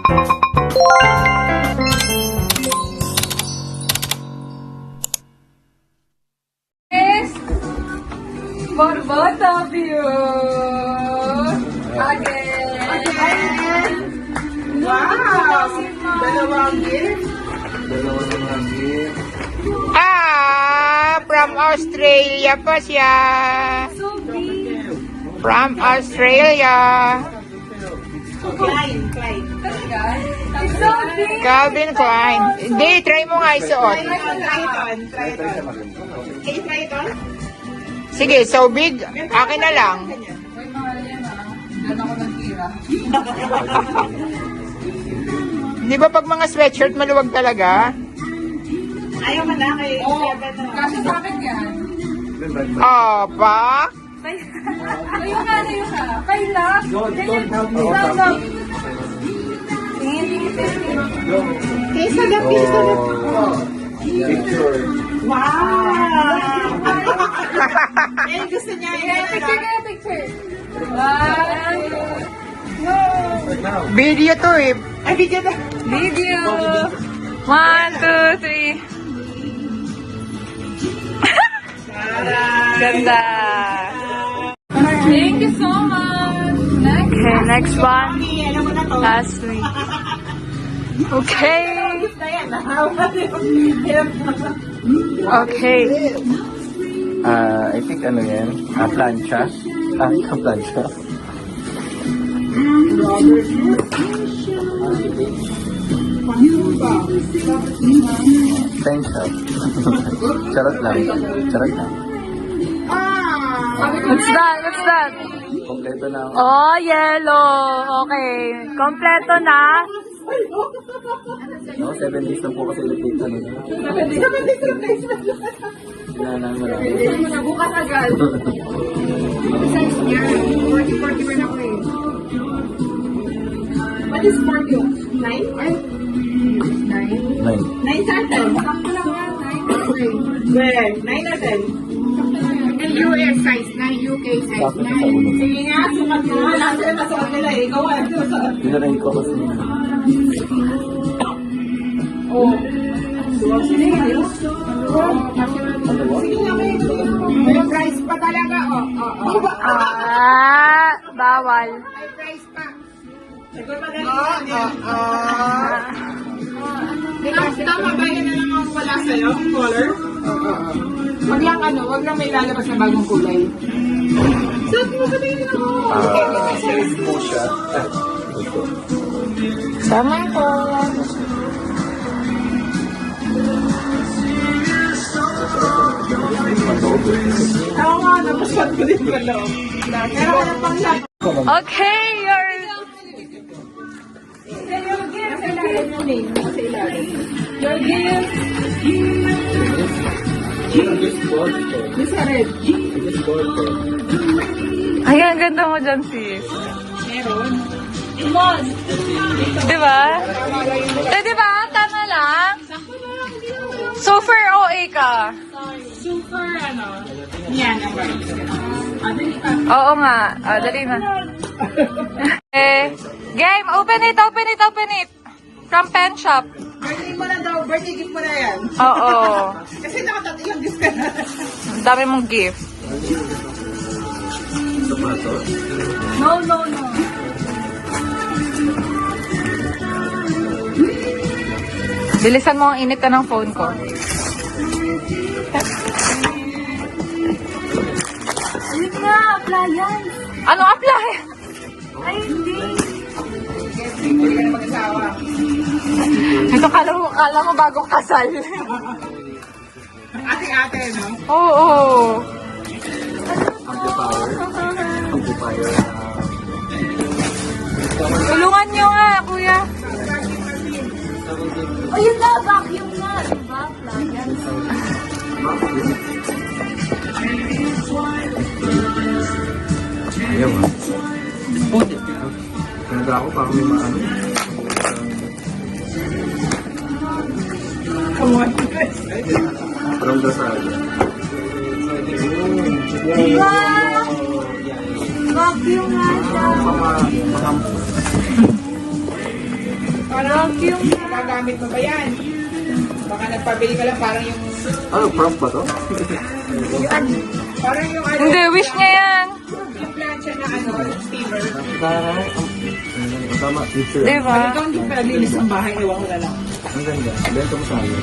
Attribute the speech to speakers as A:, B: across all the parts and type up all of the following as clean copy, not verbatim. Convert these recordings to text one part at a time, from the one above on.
A: For both of you. Again.
B: Wow! Dalawang gift.
C: From Australia pa siya.
A: So big.
C: From Australia.
B: Klein.
A: Talaga? It's so big.
C: Calvin Klein. Hindi, try mo nga isuot.
B: Try it on. Can you try it on?
C: Sige, so big. Akin na lang.
A: Uy, mahal yan ah. Diyan ako nagtira.
C: Di ba pag mga sweatshirt maluwag talaga?
B: Ayaw mo na kay
A: Oo. Kasi sa akin yan.
C: Opa.
A: Layo ka. Kayla. Stand up. Tingin.
B: Kesa na piso na. Wow! Eh, gusto niya yun.
A: Picture. One.
C: Video to eh.
B: Ay, video na.
A: Video. 1, 2, 3. Ganda. Thank you so much. Next.
C: Okay, next one.
B: Alam mo na to.
C: Last week. Okay. Okay.
D: I think ano yan? Plancha? Plancha. Thanks, Charot lang.
A: What's that?
D: Kompleto na ako.
A: Oh, yellow. Okay. Kompleto na.
D: No, 7 days lang po kasi ulit dito. Sinanaan mo lang.
A: Bukas agad. Size niya. 40 rin ako eh. What is 40? 9? 9?
D: 9.
B: 9 sa atin.
A: Sakto lang yan. 9.
B: Where? 9 or 10?
A: And US size 9, UK size
D: Tapos sa ulo.
B: Sige nga, sukat mo. Lasa na masukat nila eh. Ikaw
D: Dinarin ko kasi.
B: Oh. Sige nga, may price pa talaga.
A: Bawal.
B: May price pa. Tama ba yun na lang ang wala sa'yo? Color? Wag lang may lalabas na bagong kulay. Sabi mo sabihin ako.
D: Sales po siya.
C: Sama ko.
B: Oo nga, napaswat ko din ko loob. Pero wala pang lahat.
A: Okay, your
B: Your gift. This red.
A: Ay, ang ganda mo dyan, sis.
B: Meron.
A: Diba? Diba? Tama lang. Super OA ka.
B: Super Yan ang price. Dali ka.
A: Oo nga. Dali na. Game, open it. From Pen Shop.
B: Birthday mo na daw. Birthday gift mo na yan.
A: Oo.
B: Kasi nakatati yung gift ka na.
A: Ang dami mong gift. No. Bilisan mo ang init ng phone ko. Ayun nga, appliance. Ano appliance? Ay, hindi.
B: Hindi ka na mag-asawa.
A: Ito kala mo bagong kasal.
B: Ate-ate, no?
A: Oo.
D: Amplifier.
A: Tulungan nyo nga, kuya. Ayun na, vacuum na. Diba? Appliance.
D: Ayaw ah. Nagda ako para may maano.
B: Come on.
D: Parang dasal.
A: Vacuum nga siya. Vacuum.
B: Gagamit mo ba yan? Baka nagpabili ka lang parang yung...
D: Ano, prompt ba to?
B: Parang yung ano...
A: Hindi, wish niya yan.
B: Yung plancha na ano, steamer.
D: Tama, picture.
A: Diba?
B: Ikaw hindi pa naglinis ng bahay, ewan ko na lang.
D: Ang ganda. Benta mo sa amin.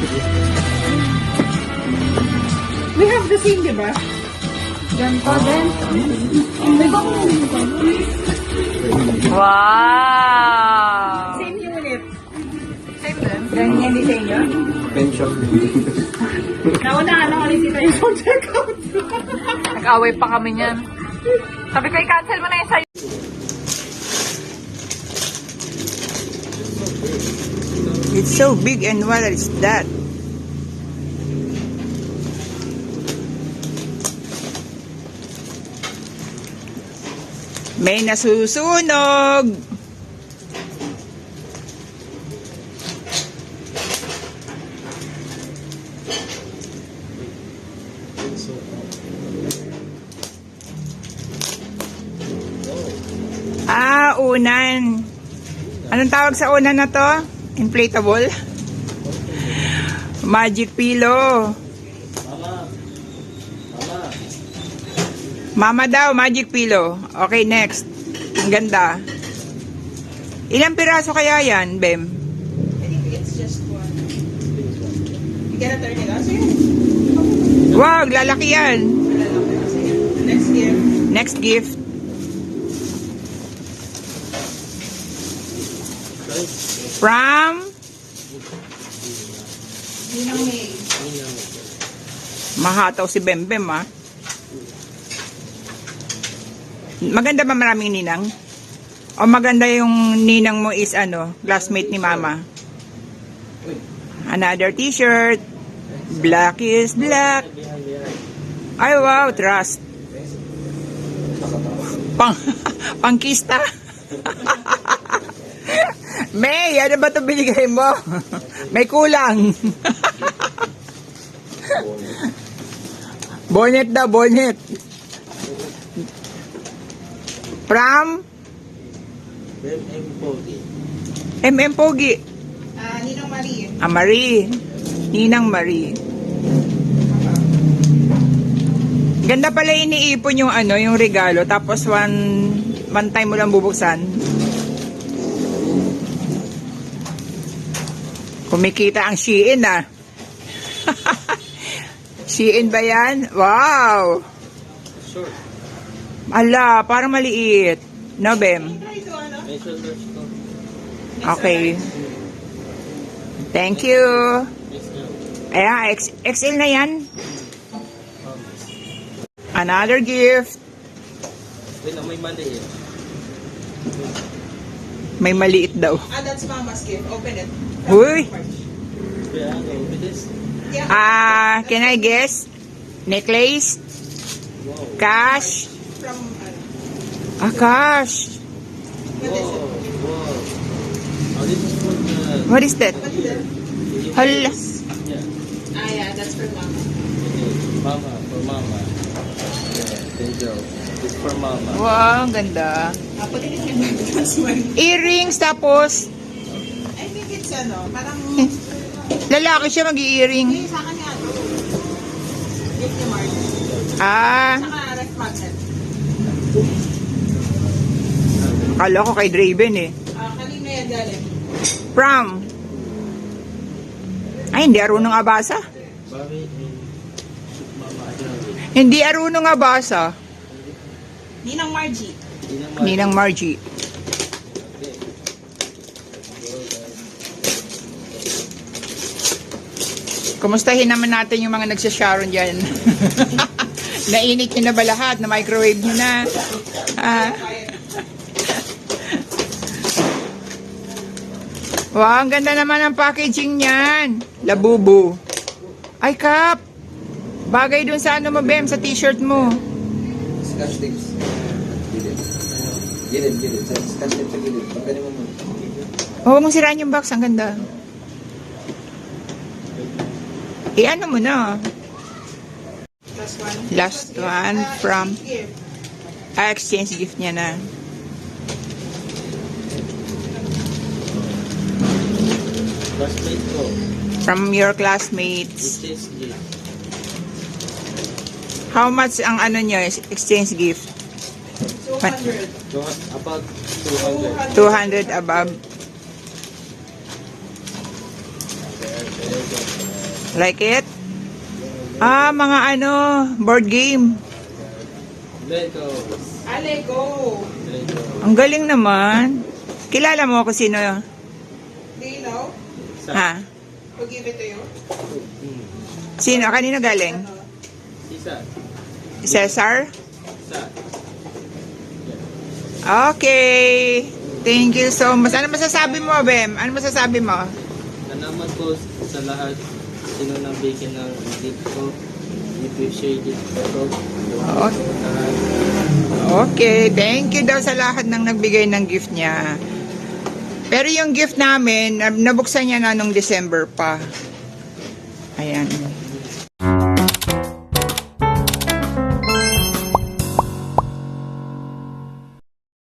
B: We have the same, di ba?
A: Ganito din. Wow!
B: Same unit.
A: Same din.
B: Ganyan din sa inyo.
D: Pension.
B: Naunahan ako ulit dito yung phone checkout.
A: Nag-away pa kami niyan. Sabi ko, i-cancel mo na yung sa'yo.
C: It's so big and what is that? May nasusunog! Unan. Anong tawag sa unan na to? Inflatable? Magic pillow. Mama daw, magic pillow. Okay, next. Ang ganda. Ilang piraso kaya yan, Bem?
B: I think it's just one. You gotta turn it on. Sige.
C: Wag, lalaki yan.
B: Next year.
C: Next gift. From
B: Ninang May.
C: Mahataw si Bembem, ah. Maganda ba maraming ninang? O maganda yung ninang mo is ano, classmate ni mama? Another t-shirt. Black is black. Ay, wow, trust. Pangkista. May, ano ba ito binigay mo? May kulang. Bonnet daw, bonnet. From? MM Pogi.
B: Ninang Marie.
C: Marie. Ninang Marie. Ganda pala iniipon yung ano, yung regalo. Tapos one time mo lang bubuksan. Kumikita ang Shein, ah. Shein ba yan? Wow! Ala, parang maliit. No, Bem? Okay. Thank you. Ayan, XL na yan. Another gift. May maliit daw.
B: That's Mama's gift. Open it.
C: Uy!
B: Yeah.
C: Can I guess? Necklace? Cash?
B: From,
C: Cash.
B: what
C: What is
B: is it?
C: that?
B: What is it?
C: Hala.
B: Yeah, that's for Mama.
D: Mama, for mama. Yeah, angel. It's for mama.
C: Wow, ang ganda.
B: Put it in your that's one.
C: Earrings tapos
B: I think it's parang,
C: lalaki siya mag-earring.
B: yung sa kanya, gift ni Mark. Saka ref magnet.
C: Akala ko kay Draven eh.
B: Kanina yan galing.
C: From? Ay, hindi arunong abasa. Hindi arunong abasa.
B: Ninang Margie.
C: Ninang Margie. Kumustahin naman natin yung mga nagsasharon dyan. Nainit nyo na ba lahat? Na microwave nyo na? Wow, ang ganda naman ang packaging niyan. Labubu. Ay, Kap. Bagay dun sa ano mo, Bem, sa t-shirt mo.
D: Scotch tapes. Gilid. Scotch tape sa gilid. Pagkani mo muna.
C: Huwag mong siraan yung box. Ang ganda. Ano mo na? Last one from... exchange gift niya na.
D: Classmate ko.
C: From your classmates.
D: Exchange gift.
C: How much ang ano nyo, exchange gift?
B: 200.
D: So, about 200.
C: 200 above. Like it? Ah, mga ano, board game.
D: Lego.
B: Lego.
D: Lego.
C: Ang galing naman. Kilala mo ako sino yun?
B: Do you know?
C: Ha?
B: Who give it to you?
C: Sino? Kanino galing?
D: Isa.
C: Cesar?
D: Isa.
C: Okay. Thank you so much. Ano masasabi mo, Bem? Ano masasabi mo?
D: Salamat po sa lahat sino nang bigyan ng gift ko. Appreciate it po.
C: Okay. Thank you daw sa lahat ng nagbigay ng gift niya. Pero yung gift namin, nabuksan niya na nung December pa. Ayan.